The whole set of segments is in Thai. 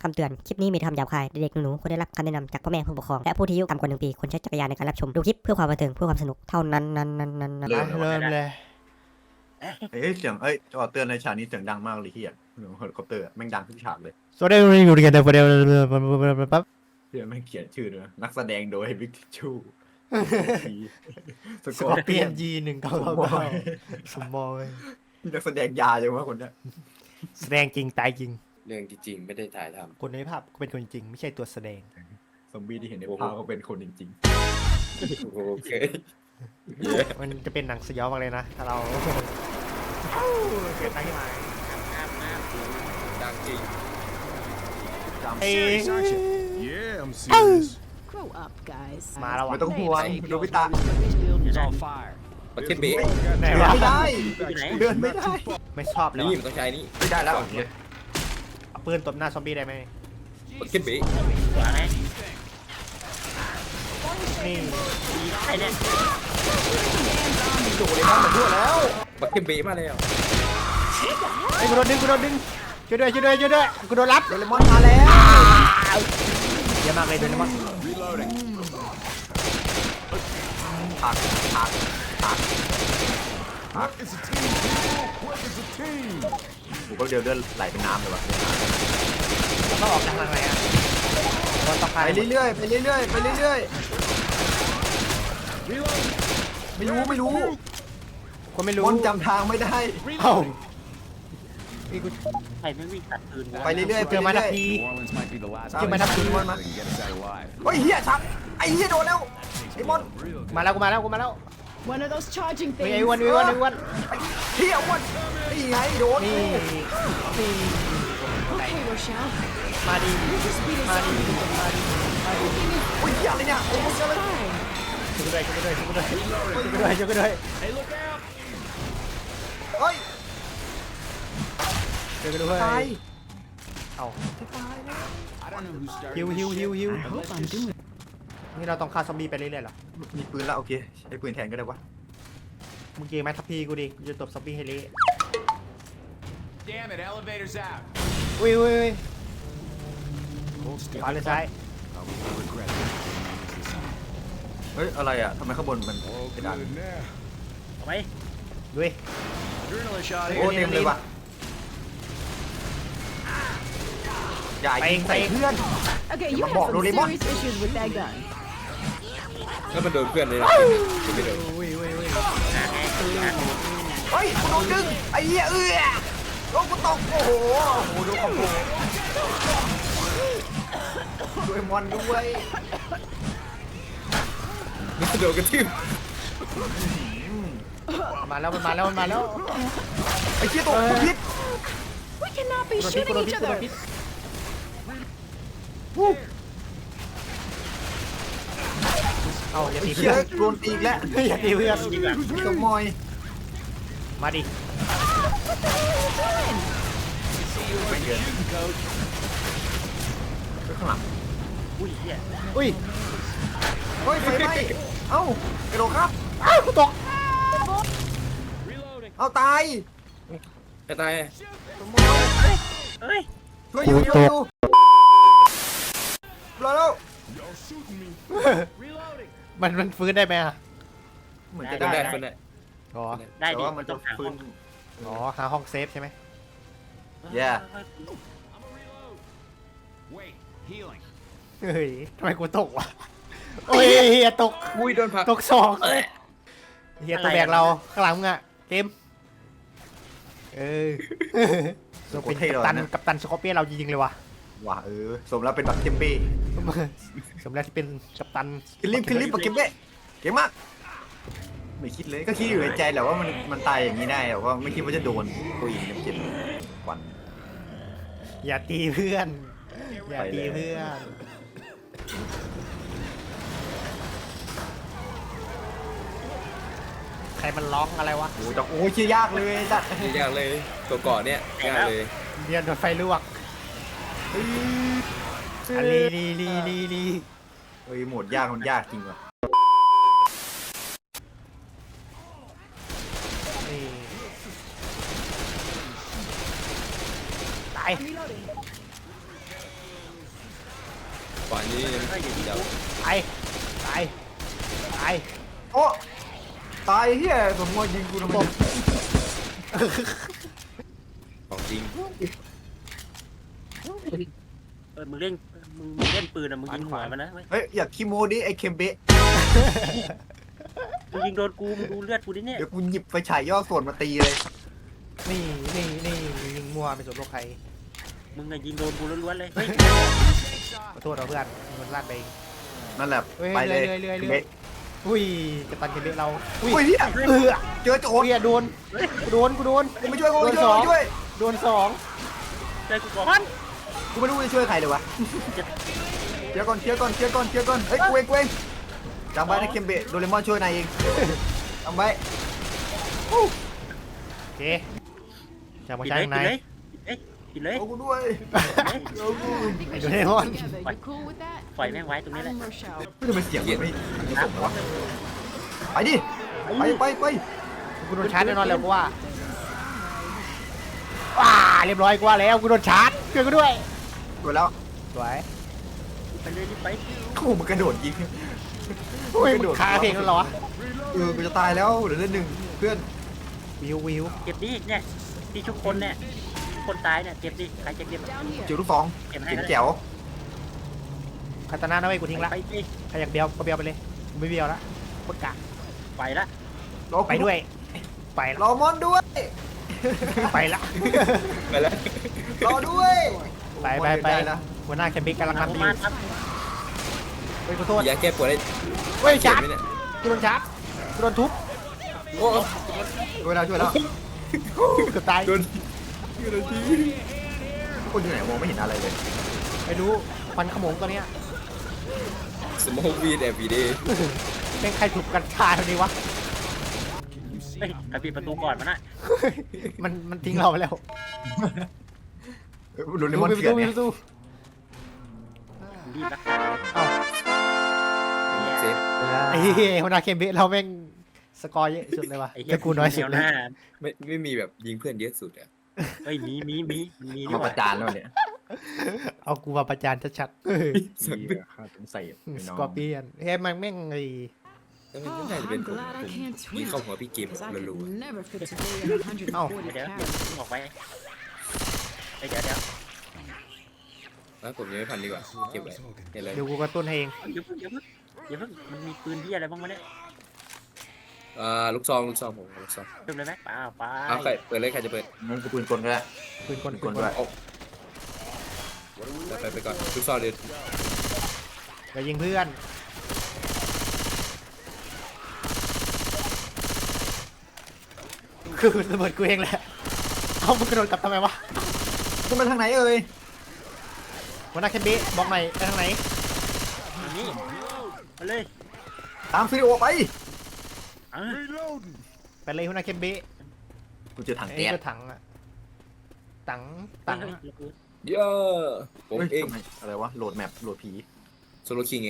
คำเตือนคลิปนี้มีคำหยาบคายเด็กๆหนูๆควรได้รับคำแนะนำจากพ่อแม่ผู้ปกครองและผู้ที่อายุต่ำกว่า1 ปีควรใช้จักรยานในการรับชมดูคลิปเพื่อความบันเทิงเพื่อความสนุกเท่านั้นเริ่มเริ่มเลยเสียงจอเตือนในฉากนี้เสียงดังมากเลยที่เสียงเฮลิคอปเตอร์แม่งดังทุกฉากเลยสวัสดีอยู่กันแต่ประเดี๋ยวปั๊บเพื่อนแม่งเขียนชื่อด้วยนักแสดงโดยบิ๊กชูสสกกออร์ร์เปีเปียยนนG1999สมบอยนี่นักแสดงยาจังวะคนเนี้ยแสดงจริงตายจริงเรื่องจริงๆไม่ได้ถ่ายทคนในภาพก็เป็นคนจริงไม่ใช่ตัวแสดงซอมบี้ที่เห็นในภาพก็เป็นคนจริงำโอเคมันจะเป็นหนังสยองมากเลยนะถ้าเราเกิดตั้งขึ้นมาดังจริงเอ้ย Yeah, I'm serious. Grow up, guys. มาแล้วๆอ่ะไม่ต้องห่วงโนบิตะ He's on fire. ประเทศเบะไหนเดินวะไม่ได้เดินไม่ได้ไม่ชอบเลยนี่ว่ะมันต้องใช้นี่ไม่ได้แล้วเอาปืนตบหน้าซอมบี้ได้ไหมประเทศเบะนี่โดนเลยมันมาทั่วแล้วประเทศเบะมาแล้วไอ้ยกูโดนดึงช่วยด้วยกูโดนรับโดเรมอนมาแล้วเยอะมากเลยโดนรับ Reloading. ผัก It's a team. Quick, it's a team. ผมก็เดินเลื่อนไหลเป็นน้ำเลยวะแล้วก็ออกทางไหนอ่ะโดนตะไปไคร้เรื่อยๆไปเรื่อยๆไปเรื่อยๆไม่รู้คนไม่รู้มอนจำทางไม่ได้เอ้านี่กูใครไม่วิ่งตัดปืนไปเรื่อยๆไปเจอมาเรื่ทัอยที New Orleans might be the last ๆเจอมาทัทีมอนมา that can get us out alive. เฮ้ยเฮียชักไอ้เฮียโดนแล้วไอ้มอนมาแล้วกูมาแล้ว One of those charging ไอ้ things. อ้วนไอ้เฮียอ้วนนี่ไงโดนนี่ Okay, Rochelle. มาดิ Your speed is on. โอ้ยเฮียอะไรเนี่ยโอ้ยเฮียอะไร Fine. ช่วยกูด้วยเฮ้ยช่วยกูด้วยตายเอา I don't know who started. ฮิว I hope I'm doing นี่เราต้องฆ่าซอมบี้ไปเรื่อยๆเหรอมีปืนแล้วโอเคใช้ปืนแทนก็ได้วะมึงเกมไหมทัพพีกูดิกูจะตบซอมบี้ให้เละ Damn it, elevator's out. อุ้ย Hold still. ขวาหรือซ้าย I will regret it. เฮ้ยอะไรอ่ะทำไมข้างบนมัน Oh, กระดาน good now. ด้วย Adrenaline shot โอ้ here. เต็มเลยว่ะอย่ายิงใส่เพื่อน Okay, Yung you mabok, have some Doraemon. serious issues with that gun. แล้วมันโดนเพื่อนเลยนะไม่โดนอุ้ยเฮ้ยกูโดนดึงไอ้เหี้ยโอ้กูตกโอ้โหดูคอมโบด้วยมอนด้วยมันโดนกระทืบมาแล้วไอ้เหี้ยตกกูพิษ We cannot be กู shooting โดน each พิษ other. เอาอย่าตีเหี้เพื่ยอนโดนตีอีกแล้วอย่าตีเพื่อนขโมยมาดิไปข้างหลังอุ้ยเฮ้ยไฟไหม้เอ้ากระโดดครับอ้าวกูตกเอาตายจะตายช่วยอยู่รอแล้วมันฟื้นได้ไหมอ่ะเหมือนจะได้ได้คนได้อ๋อแต่ว่ามันจะฟื้นอ๋อหาห้องเซฟใช่ไหมแย่ Wait, healing. เฮ้ยทำไมกูตกวะโอ้ยเฮียตกอุ้ยโดนผลักตกสองเฮียตัวแบกเราข้างหลังมึงอะเกมเราเป็นกัปตันสกอร์เปียนเราจริงๆเลยว่ะว่ะสมแล้วเป็นแบบเทมเป้สมแล้วที่เป็นกัปตันขึ้นลิฟต์กับเกมเป้เก่งมากไม่คิดเลยก็คิดอยู่ในใจแหละว่ามันตายอย่างนี้ได้แต่ว่าไม่คิดว่าจะโดนตัวอีกเจ็บวันอย่าตีเพื่อนอย่าตีเพื่อนใครมันร้องอะไรวะโอ้แต่โอ้ยเชี่ยยากเลยจัดนี่ยากเลยตัวก่อนเนี่ยยากเลยเรียนโดนไฟลวกอะลีเฮ้ยโหมดยากมันยากจริงว่ะนี่ตายวานี้เดี๋ยวตายตายตายโอ้ตายเฮียสมมติยิงกูทำไมเนี่ยของจริงมึงเล่นมึงเล่นปืนอ่ะมึงยิงหัวมันนะเว้ยเฮ้ยอยากคิโมดิไอ้เคมเบะมึงยิงโดนกูมึงดูเลือดกูดิเนี่ยเดี๋ยวกูหยิบไฟฉายย่อส่วนมาตีเลยนี่ยิงมั่วไม่สนโลกใครมึงอะยิงโดนกูล้วนๆเลยเฮ้ยขอโทษเราเพื่อนมันลาดไปเองนั่นแหละเฮ้ยไปเลยเรื่อยเบะอุ้ยกระตันเคเบะเราอุ้ยอุ้ยเฮีย เจอโจรเฮียโดนกูโดนกูไม่ช่วยกูไม่ช่วยกูไม่ช่วยโดนสองใจกูก่อนกูไม่รู้จะช่วยใครเลยวะเคลียร์ก่อนเฮ้ยกูเองจำไว้นะเคมเบะโดเรมอนช่วยนายเองจำไว้โอเคจะมาปิดใช้เลยไหนปิดเลยเอากูด้วยไอ้โดเรมอน You cool with that? ปล่อยแม่งไว้ตรงนี้แหละ I'm Rochelle. ไม่ทำไมเสียงมันไม่ส่งเลยวะไปดิไปกูโดนชาร์จแน่นอนแล้วกูว่าว้าเรียบร้อยกูว่าแล้วกูโดนชาร์จช่วยกูด้วยกดแล้วสวยไปเลยรีบไปโอ้มันกระโดดยิงอุ้ยมึงคาเพลงแล้วเหรอวะกูจะตายแล้วเดี๋ยวเล่นหนึ่งเพื่อนวิวเก็บดิเนี่ยที่ชุบคนเนี่ยคนตายเนี่ยเก็บดิใครจะเก็บ Down here. เจียวลูกสองเก็บให้เจ๋งก็ได้แจ๋วคาตานานะเว้ยกูทิ้งละไปดิใครอยากเบียวก็เบียวไปเลยกูไม่เบียวละปกกะไปละไปด้วยไปละรอมอนด้วยไปละไปแล้วรอด้วยไปแล้วหัวหน้าแคมปิ้งกำลังมาทำดีมาครับเฮ้ยขอโทษยาแก้ปวดได้เฮ้ยชาร์จไหมเนี่ยกูโดนชาร์จกูโดนทุบโอ้ช่วยแล้วเกือบตายโดนทุกคนอยู่ไหนมองไม่เห็นอะไรเลยไม่รู้ฟันขโมงตัวเนี้ยสมองวีดแอบวีดีเป็นใครถูกกันชาเท่านี้วะเฮ้ยใครปิดประตูก่อนมันน่ะมันทิ้งเราไปแล้วโดนเลมอนเถื่อนเนี่ยตู้รีบรักษาเอ้าเซฟไอ้เหี้ยหัวหน้าเคมเบเราแม่งสกอร์เยอะสุดเลยวะไอ้เหี้แต่กูน้อยสุดแนวเลหยน้าไม่มีแบบยิงเพื่อนเยอะสุดอ่ะเฮ้ยมีมันมีนี่มาหปว่าระจานแล้วเนี่ยเอากูมาประจานชัดข้าสงสัยๆสกอร์เปียนเฮ้ยมันแม่งไอ้แล้วมัน Oh, น่าจะเป็น I'm ผม glad I can't ยิง swim. เข้าหัวพี่เกม Because I รัว could never fit today at 140 เดี๋ยว calories. ออกไปเดี๋ยวๆแล้วผมยังไม่พันดีกว่าเก็บไว้เห็นเลยเดี๋ยวกูกระตุ้นให้เองอย่าเพิ่งมันมีปืนที่อะไรบ้างวะเนี่ยลูกซองผมลูกซองเริ่มเลยไหมเปล่าไปเอาใครเปิดเลยใครจะเปิดงั้นกูปืนกลก็ได้ปืนกลปืนกลด้วยไปก่อนลูกซองเดี๋ยวอย่ายิงเพื่อนคือระเบิดกูเองแหละเอามึงกระโดดกลับทำไมวะจะไปทางไหนเอ่ยหัวหน้าเคมเบบอกหน่อยไปทางไหนนี่มาเลยตามซีโอไปไปเลยหัวหน้าเคมเบกูเจอถังไอ้แก๊สก็ถังอะถังเยอะผมเฮ้ยเองทำไมอะไรวะโหลดแมปโหลดผีโซโลคิงเอง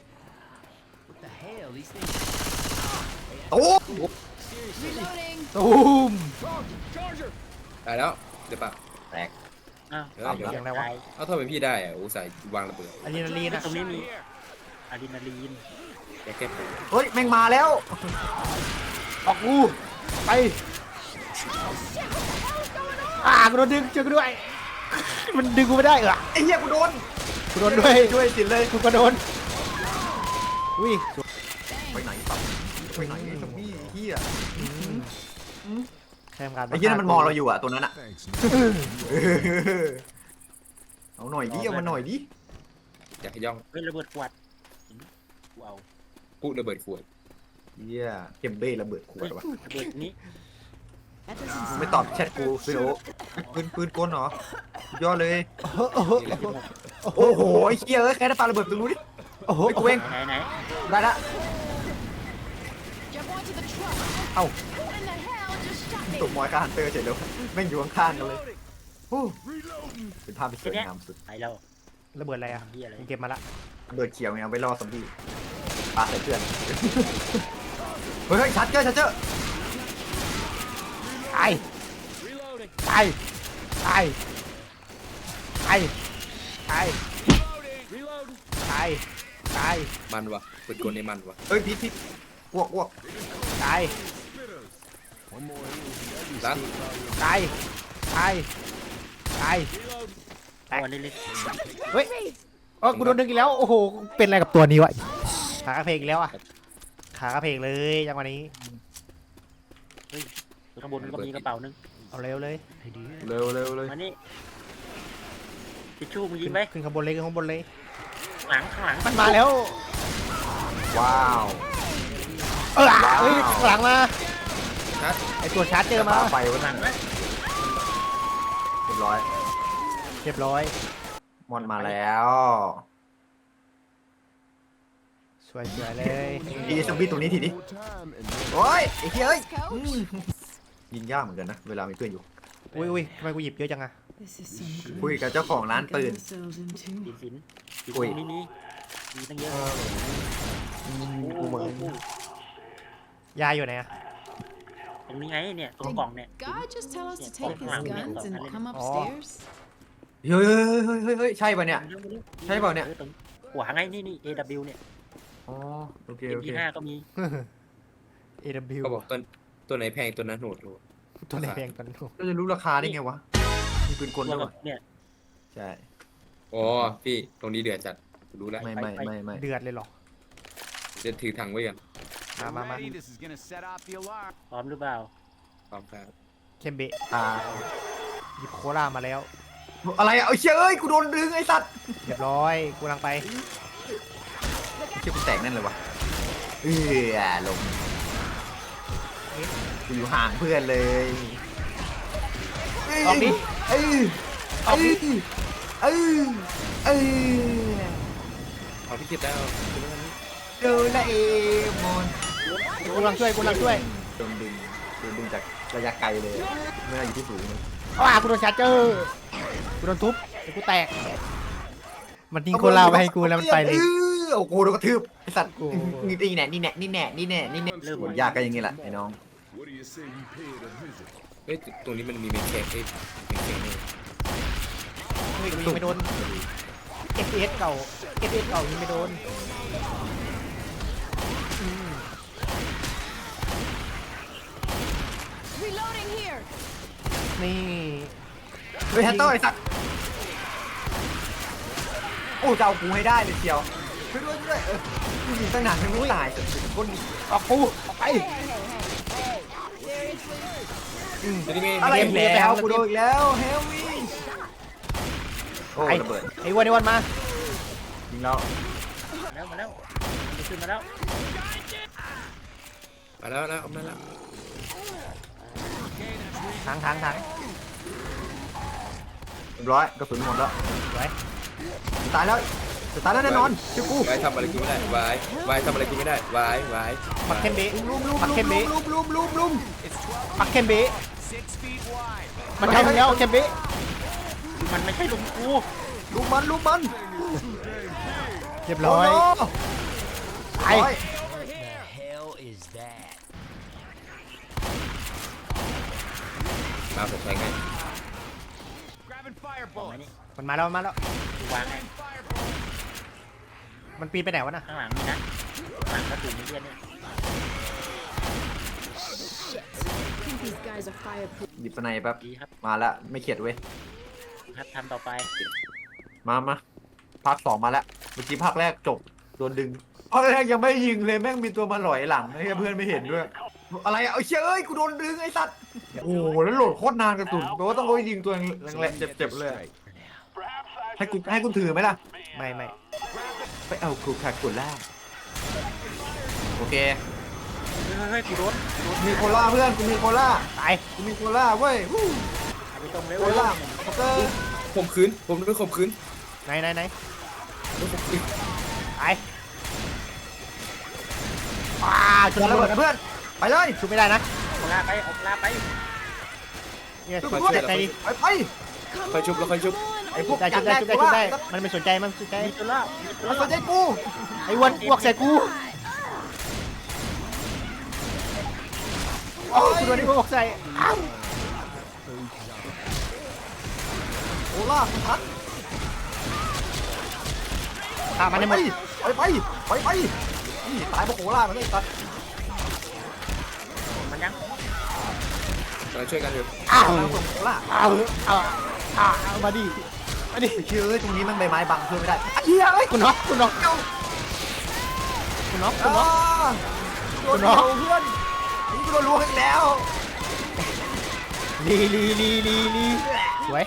โอ้ Reloading. ตูมตายแล้วเดี๋ยวป่ะแตกอ้าวเสียงอะไรวะเอาทำไมพี่ได้อะอุตส่าห์วางระเบิดอะดรีนาลีนอะตรงนี้มีอะดรีนาลีนยาแก้ปวดเฮ้ยแม่งมาแล้วออกกูไปกูโดนดึงเจอกูด้วย มันดึงกูไม่ได้เหรอไอ้เหี้ยกูโดนกูโดนด้วยช่วยสินเลยกูก็โดนอุ้ยไปไหนปั๊บไปไหนไอ้ซอมบี้เหี้ยใครทำการไอ้เหี้ยนั่นมันมองเราอยู่อะตัวนั้นอะเอาหน่อยดิเอามาหน่อยดิอยากให้ย่องเฮ้ยระเบิดขวดกูเอาพูดระเบิดขวดเหี้ยเกมเบ้ระเบิดขวดวะระเบิดนี้ That doesn't ไม่ตอบแชทกูซีโอปืนกลเหรอสุดยอดเลยนี่แหละที่ผมโอ้โหไอ้เหี้ยเอ้ยใครได้ปาระเบิดตรงนู้นดิโอ้โหไอ้กูเองไหนได้ละ jump onto the truck. เอ้า Who in the hell just shot me? ตกมอยคาฮันเตอร์เฉยเลยแม่งอยู่ข้างๆกันเลยโอ้เป็นภาพที่สวยงามสุดไปแล้วระเบิดอะไรอะเฮียอะไรผมเก็บมาละระเบิดเขียวไงเอาไว้ล่อซอมบี้ปาใส่เพื่อนเฮ้ยชัดเจอชัดเจอตายตายตายตายตายตายายตายมันวะปืนกลนี่มันวะเฮ้ยพิษอ้วกตายล้างตายตายตายเอาอันนี้เลยเฮ้ยอ๋อกูโดนดึงอีกแล้วโอ้โหเป็นอะไรกับตัวนี้วะขากระเพกอีกแล้วอ่ะขากระเพกเลยจังหวะนี้ข้างบนก็มีกระเป๋านึงเอาเร็วเลยเร็วเลยมานี่ทิชชู่มึงยิงไหมขึ้นข้างบนเลยขึ้นข้างบนเลยหลังข้างหลังมันมาแล้วว้าวเฮ้ยข้างหลังมาฮะไอตัวชาร์จเจอมาไฟวะหลันั่นงนะเรียบร้อยเรียบร้อยมอนมาแล้วสวยๆเลยดีซอมบี้ตัวนี้ทีนี้โอ้ยไอ้เหี้ยเอ้ย Coach. ยิงยากเหมือนกันนะเวลามีเพื่อนอยู่อุ้ยทำไมกูหยิบเยอะจังอะ This is some good คุยกับเจ้าของร้านปืน ourselves into. ดีสินดีอุ้ยสินนี่มีตั้งเยอะกูเหมือนยายอยู่ไหนอะตรงนี้ไงเนี่ยตรงกล่องเนี่ย God just tell us to Yeah, take his oh, guns and oh. come upstairs. เฮ้ยใช่ป่ะเนี่ย ใช่เปล่าเนี่ยตรงขวาไงนี่ AW เนี่ยอ๋อโอเค MP5 ก็มี AW เขาบอกตัวไหนแพงตัวนั้นโหดโหดตัวไหนแพงตัวนั้นถูกก็จะรู้ราคาได้ไงวะมีปืนกลตัวด้วยกับเนี่ยใช่อ๋อพี่ตรงนี้เดือดจัดรู้แล้วไม่เดือดเลยเหรอจะถือถังไว้กันมา Ready? This is gonna set off the alarm. พร้อมหรือเปล่าพร้อมครับเคมเบะอ่าหยิบโคลามาแล้วอะไรอะเอาเชี่ยเอ้ยกูโดนดึงไอ้สัตว์เรียบร้อยกูกำลังไปเชี่ยกูแตกนั่นเลยวะลงกูอยู่ห่างเพื่อนเลยออกดิเออเอาพี่คิดแล้วเจอแล้วเอมอนกูกำลังช่วยโดนดึงจากระยะไกลเลยไม่ได้อยู่ที่สูงเลยกูโดนชาร์เจอร์กูโดนทุบไอ้กูแตก มันทิ้งโคลาไว้ให้กูแล้วมันไปเลยโอ้โหโดนกระทืบไอ้สัตว์กูนี่แน่โหยากก็อย่างงี้แหละไอ้น้องเฮ้ยตรงนี้มันมีเมนเช็คเมนเช็คนี่เฮ้ยกูยิงไม่โดน FPS เก่ายิงไม่โดน Reloading here. นี่เฮ้ยฮัตเตอร์ไอ้สัตว์โอ้จะเอากูให้ได้เลยเชียวช่วยด้วยกูยิงตั้งนานยังไม่ตายคนออกไปจะได้ไงอะไรเกมอีกแล้วแล้วกูโดนอีกแล้วเฮลวี่โอ้ระเบิดไอ้วันมายิงแล้วมาแล้วมันขึ้นมาแล้วมาแล้วเอามาแล้วถังเรียบร้อยกระสุนหมดแล้วไว้ตายแล้วแน่นอนชื่อกูวายทำอะไรกูไม่ได้วายทำอะไรกูไม่ได้วายปักเคมเบะลุมปักเคมเบะลุมปักเคมเบะ 6 feet wide. มันทำแล้วเคมเบะมันไม่ใช่ลุงกูลุมมันเรียบร้อยไอ้มาผมแทงให้ Grabbing fire บอกไหม bullets. นี่มันมาแล้วกูวางให้มันปีนไปไหนวะน่ะข้างหลังนี่นะข้างหลังก็ถูกไม่เลี่ยนเนี่ย I think these guys are fireproof. หยิบสไนแป๊บดีครับมาแล้วไม่เข็ดเว้ยครับทำต่อไปมาภาค 2มาแล้วเมื่อกี้ภาคแรกจบโดนดึงภาคแรกยังไม่ยิงเลยแม่งมีตัวมาหลอยหลังให้เพื่อนไม่เห็นด้วยอะไรอะเอาเชี่ยเอ้ยกูโดนดึงไอ้สัตว์โอ้โหแล้วโหลดโคตรนานกระสุนแปลว่าต้องไปยิงตัวแรงๆเจ็บๆเลยให้กูถือไหมล่ะไม่ไปเอาคูคาโคล่าโอเคเฮ้ยกูโดนมีโคล่าเพื่อนกูมีโคล่าตายกูมีโคล่าเว้ยวู้เอาไปตรงเลยโคล่าโอเคข่มขืนผมโดนข่มขืนไหนโดนข่มขืนตายจุดระระเบิเบิดดนะเพื่อนไปเลยชุบไม่ได้นะเอาลาไปเอาลาไปเนี่ยชุบช่วยด้วยใจดีไปค่อยชุบแล้วค่อยชุบไอ้พวกได้จัชุบบได้แรกชุบได้กูชุบได้ว่ามันไม่สนใจมีตัวล่ามีตัวมันล่าสนใจกูไอ้วันอ้วกใส่กูโอ้ยกูโดนไอ้อ้วกใส่อ้าวโคล่าคุณทันฆ่ามันให้หมดไปนี่ตายโมโหล่ามันเลยตัดมันยังกำลังช่วยกันอยู่อ้าวโมโหล่าเอามาดิมาดิเชื่อตรงนี้มันใบไม้บังเพื่อนไม่ได้เฮียเอ้ยคุณน็อกคุณน็อกคุณน็อกคุณน็อกโดนเราเพื่อนนี่กูโดนล้วงอีกแล้วลีสวย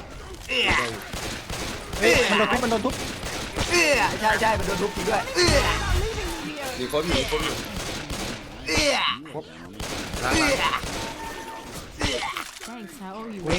เฮ้ยมันโดนทุบใช่มันโดนทุบจริงด้วยมีคนอยู่มีคนอยู่ล้าง Thanks, I owe you เวง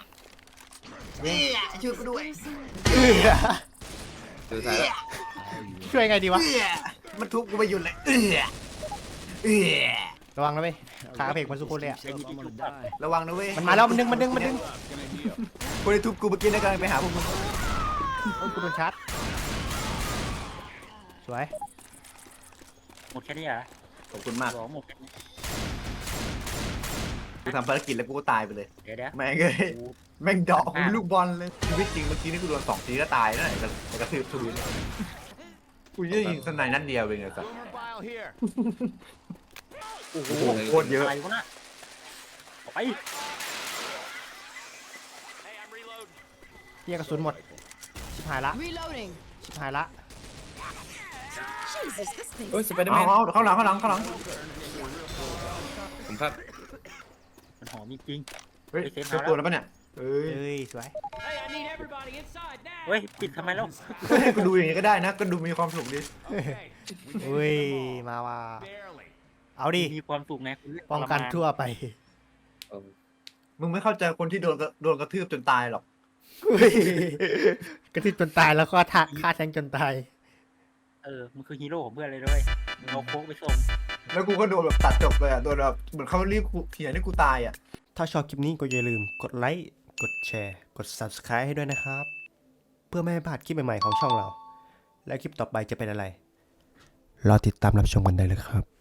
ช่วยกูด้วยสุดท้ายแล้วช่วยไงดีวะมันทุบกูไปหยุดเลยระวังนะเว้ยขากระเพกมันสุโคนเลยอ่ะระวังนะเว้ยมันมาแล้วมันดึงคนที่ทุบกูเมื่อกี้นะกำลังไปหาพวกมึงโอ้ยกูโดนชาร์จสวยหมดแค่นี้เหรอขอบคุณมากบอกหมดแค่นี้กูทำภารกิจแล้วกูก็ตายไปเลยเดี๋ยวแม่งเลยแม่งเดอกกูเป็นลูกบอลเลยชีวิตจริงเมื่อกี้นี่กูโดน2 ทีก็ตายนั่นแหละแต่กระทืบทุนกูยืดยิงสไนนัดเดียวเองไงสัส Armor bile here. โอ้โหโคตรเยอะอะไรวะน่ะออกไป Hey, I'm reloading. เฮียกระสุนหมดชิบหายละ Reloading. ชิบหายละ Jesus, this thing. โอ้ยสไปเดอร์แมเอานเข้าหลังผมพลาดมันหอมจริงเฮ้ยเจอตัวแล้วปะเนี่ยเอ้ยเอ้ยสวย Hey, I need everybody inside now. เฮ้ยปิดทำไมแล้วให้กูดูอย่างนี้ก็ได้นะก็ดูมีความสุขดี Okay. เฮ้ยมาว่า Barely. เอาดิมีความสุขไงป้องกันทั่วไปเอามึงไม่เข้าใจคนที่โดนกระทืบจนตายหรอกกระทืบจนตายแล้วก็ฆ่าแทงจนตายมันคือฮีโร่ของเพื่อนเลยด้วยมึงเอาโค้กไปส่งแล้วกูก็โดนแบบตัดจบเลยอ่ะโดนแบบเหมือนเขารีบเถียงให้กูตายอ่ะถ้าชอบคลิปนี้ก็อย่าลืมกดไลค์ กดแชร์ กด Subscribe ให้ด้วยนะครับ เพื่อไม่ให้พลาดคลิปใหม่ๆของช่องเรา และคลิปต่อไปจะเป็นอะไร รอติดตามรับชมกันได้เลยครับ